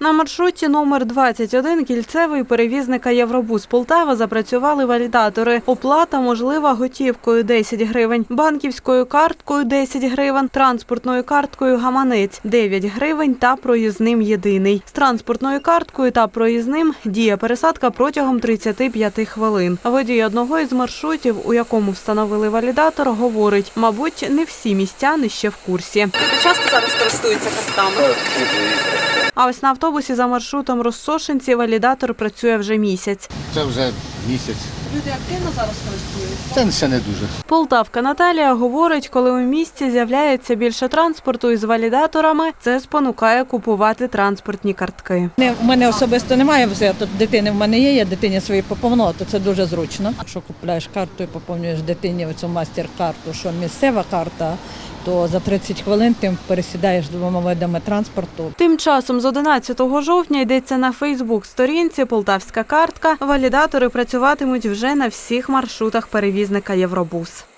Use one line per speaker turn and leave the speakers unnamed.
На маршруті номер 21 кільцевий перевізника «Євробус Полтава» запрацювали валідатори. Оплата можлива готівкою – 10 гривень, банківською карткою – 10 гривень, транспортною карткою «Гаманець» – 9 гривень та проїзним єдиний. З транспортною карткою та проїзним діє пересадка протягом 35 хвилин. Водій одного із маршрутів, у якому встановили валідатор, говорить, мабуть, не всі містяни ще в курсі.
Часто зараз користуються картками?
А ось на автобусі за маршрутом Россошинці валідатор працює вже місяць.
Це вже місяць.
Люди активно зараз користуються?
Це ще не дуже.
Полтавка Наталія говорить, коли у місті з'являється більше транспорту із валідаторами, це спонукає купувати транспортні картки.
У мене особисто немає, тут дитини в мене є, я дитині свої поповнила, то це дуже зручно. Якщо купуєш карту і поповнюєш дитині оцю мастер-карту, що місцева карта, то за 30 хвилин ти пересідаєш двома видами транспорту.
Тим часом з 11 жовтня йдеться на Фейсбук-сторінці «Полтавська картка». Валідатори працюватимуть вже на всіх маршрутах перевізника «Євробус».